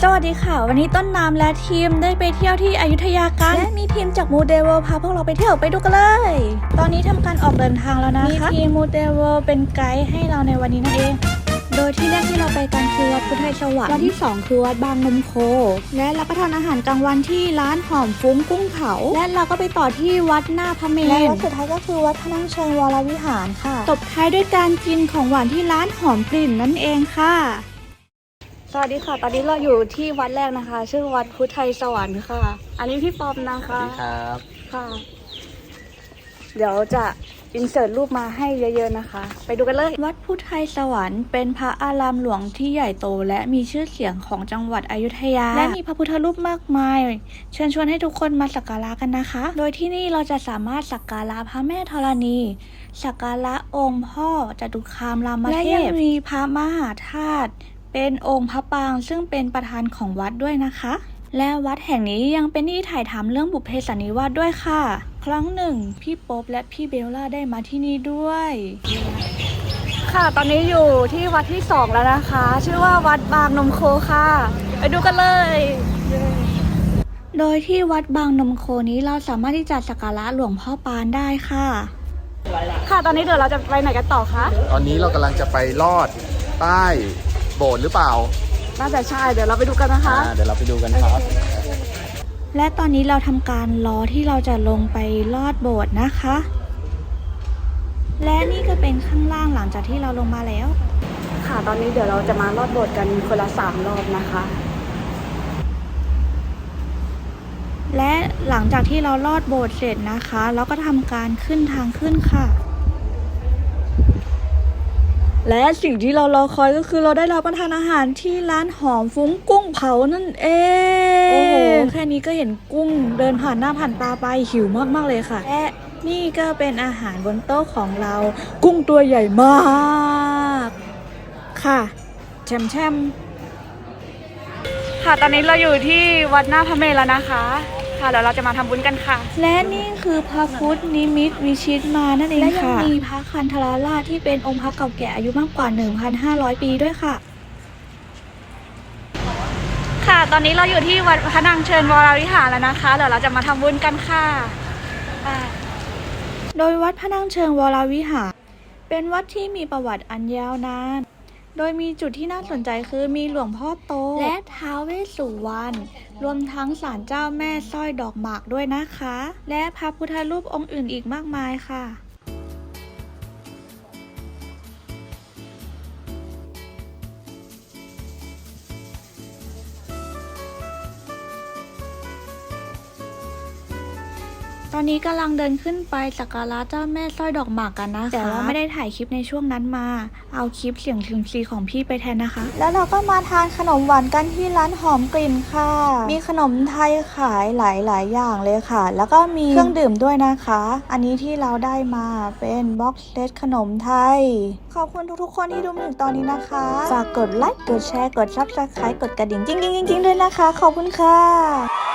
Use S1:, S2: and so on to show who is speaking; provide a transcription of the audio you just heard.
S1: สวัสดีค่ะวันนี้ต้นน้ำและทีมได้ไปเที่ยวที่อยุธยากันและมีทีมจากมูเดเวิลด์พาพวกเราไปเที่ยวไปดูกันเลยตอนนี้ทำการออกเดินทางแล้วนะคะมีทีมมูเดเวิลด์เป็นไกด์ให้เราในวันนี้นั่นเองโดยที่แรกที่เราไปกันคือวัดพุทธไทยสวรรค์วันที่2คือวัดบางนมโคและรับประทานอาหารกลางวันที่ร้านหอมฟุ้งกุ้งเผาและเราก็ไปต่อที่วัดหน้าพระเมรุและวัดสุดท้ายก็คือวัดพนังเชิงวรวิหารค่ะตบท้ายด้วยการกินของหวานที่ร้านหอมกลิ่นนั่นเองค่ะสวัสดีค่ะตอนนี้เราอยู่ที่วัดแรกนะคะชื่อวัดพุทธไทยสวรรค์ค่ะอันนี้พี่ปอมนะคะ
S2: สวัสดีครับ
S1: ค่ะเดี๋ยวจะอินเสิร์ตรูปมาให้เยอะๆนะคะไปดูกันเลยวัดพุทธไทยสวรรค์เป็นพระอารามหลวงที่ใหญ่โตและมีชื่อเสียงของจังหวัดอยุธยาและมีพระพุทธรูปมากมายเชิญชวนให้ทุกคนมาสักการะกันนะคะโดยที่นี่เราจะสามารถสักการะพระแม่ธรณีสักการะองค์พ่อจตุคามรามเทพและยังมีพระมหาธาตุเป็นองค์พระปางซึ่งเป็นประธานของวัดด้วยนะคะและวัดแห่งนี้ยังเป็นที่ถ่ายทำเรื่องบุพเพสันนิวาสด้วยค่ะครั้งหนึ่งพี่โป๊ปและพี่เบลล่าได้มาที่นี่ด้วยค่ะตอนนี้อยู่ที่วัดที่2แล้วนะคะชื่อว่าวัดบางนมโคค่ะไปดูกันเลยโดยที่วัดบางนมโคนี้เราสามารถที่จะสักการะหลวงพ่อปานได้ค่ะค่ะตอนนี้เดี๋ยวเราจะไปไหนกันต่อคะ
S2: ตอนนี้เรากำลังจะไปลอดใต้โบสถ์หรือเปล่า
S1: น่าจะใช่เดี๋ยวเราไปดูกันนะคะ
S2: เดี๋ยวเราไปดูกันครับ
S1: และตอนนี้เราทำการรอที่เราจะลงไปลอดโบสถ์นะคะและนี่ก็เป็นข้างล่างหลังจากที่เราลงมาแล้วค่ะตอนนี้เดี๋ยวเราจะมาลอดโบสถ์กันคนละ3 รอบนะคะและหลังจากที่เราลอดโบสถ์เสร็จนะคะเราก็ทำการขึ้นทางขึ้นค่ะและสิ่งที่เรารอคอยก็คือเราได้รับประทานอาหารที่ร้านหอมฟุ้งกุ้งเผานั่นเองโอ้โหแค่นี้ก็เห็นกุ้งเดินผ่านหน้าผ่านตาไปหิวมากๆเลยค่ะและนี่ก็เป็นอาหารบนโต๊ะของเรากุ้งตัวใหญ่มากค่ะแช่มค่ะตอนนี้เราอยู่ที่วัดหน้าพระเมรุแล้วนะคะค่ะเดี๋ยวเราจะมาทำบุญกันค่ะและนี่คือพระพุทธนิมิตวิชิตมานั่นเองค่ะและยังมีพระคันธารราชที่เป็นองค์พระเก่าแก่อายุมากกว่า 1,500 ปีด้วยค่ะค่ะตอนนี้เราอยู่ที่วัดพนังเชิญวรวิหารแล้วนะคะเดี๋ยวเราจะมาทำบุญกันค่ะโดยวัดพนังเชิงวรวิหารเป็นวัดที่มีประวัติอันยาวนานโดยมีจุดที่น่าสนใจคือมีหลวงพ่อโตและท้าวเวสสุวรรณรวมทั้งศาลเจ้าแม่สร้อยดอกหมากด้วยนะคะและพระพุทธรูปองค์อื่นอีกมากมายค่ะตอนนี้กำลังเดินขึ้นไปสักการะเจ้าแม่สร้อยดอกหมากกันนะคะแต่ว่าไม่ได้ถ่ายคลิปในช่วงนั้นมาเอาคลิปเสียงซิมซีของพี่ไปแทนนะคะแล้วเราก็มาทานขนมหวานกันที่ร้านหอมกลิ่นค่ะมีขนมไทยขายหลายอย่างเลยค่ะแล้วก็มีเครื่องดื่มด้วยนะคะอันนี้ที่เราได้มาเป็นบ็อกเซตขนมไทยขอบคุณทุกๆคนที่ดูมาถึงตอนนี้นะคะฝากกดไลค์กดแชร์กดซับสไครต์กดกระดิ่งจริงๆด้วยนะคะขอบคุณค่ะ